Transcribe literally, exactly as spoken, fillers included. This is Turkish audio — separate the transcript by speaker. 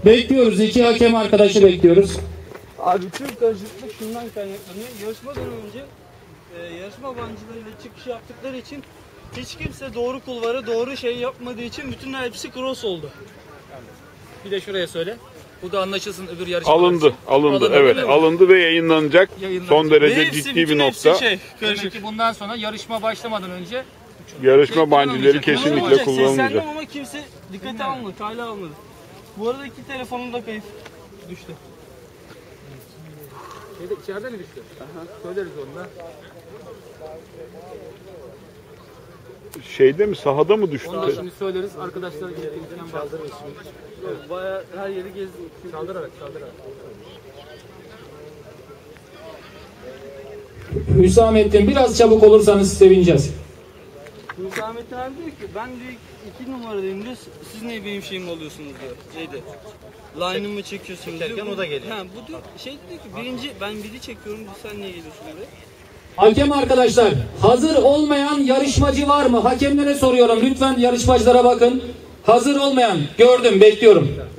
Speaker 1: Bekliyoruz. İki hakem arkadaşı bekliyoruz.
Speaker 2: Abi tüm karışıklık şundan kaynaklanıyor. Yarışmadan önce e, yarışma bancılarıyla çıkış yaptıkları için hiç kimse doğru kulvara doğru şey yapmadığı için bütün hepsi cross oldu.
Speaker 3: Bir de şuraya söyle. Bu da anlaşılsın öbür yarışma.
Speaker 4: Alındı, alındı,
Speaker 3: Alındı,
Speaker 4: evet,
Speaker 3: değil mi?
Speaker 4: alındı ve yayınlanacak.
Speaker 3: Yayınlanacak.
Speaker 4: Son derece
Speaker 2: Ve hepsi,
Speaker 4: ciddi
Speaker 2: bütün
Speaker 4: bir
Speaker 2: hepsi
Speaker 4: nokta.
Speaker 2: Şey,
Speaker 3: Demek
Speaker 2: karışık.
Speaker 3: ki bundan sonra yarışma başlamadan önce
Speaker 4: Yarışma
Speaker 3: Şey
Speaker 4: bancileri
Speaker 3: kullanılmayacak.
Speaker 4: kesinlikle
Speaker 2: Kullanılacak,
Speaker 4: kullanılmayacak.
Speaker 2: seslendim ama kimse dikkate almadı, kale almadı. Bu arada iki telefonum da kayıp düştü.
Speaker 3: şeyde, içeride mi düştü? Aha. Söyleriz onu da.
Speaker 4: Şeyde mi, sahada mı düştü?
Speaker 3: Onu da şimdi söyleriz. Arkadaşlar gelirken çaldırırız şimdi.
Speaker 2: Evet. Bayağı her yeri gezdim.
Speaker 3: Çaldırarak, çaldırarak.
Speaker 1: Hüsamettin biraz çabuk olursanız sevineceğiz.
Speaker 2: Hüsamettin abi diyor ki ben diyor iki numaradayım diyor. Siz niye benim şeyimi alıyorsunuz diyor. Şeyde. Line'ımı çekiyorsun diyor. O da geliyor. Ha, bu diyor, şey diyor ki birinci ben biri çekiyorum sen niye geliyorsun diyor.
Speaker 1: Hakem arkadaşlar, hazır olmayan yarışmacı var mı? Hakemlere soruyorum. Lütfen yarışmacılara bakın. Hazır olmayan, gördüm, bekliyorum.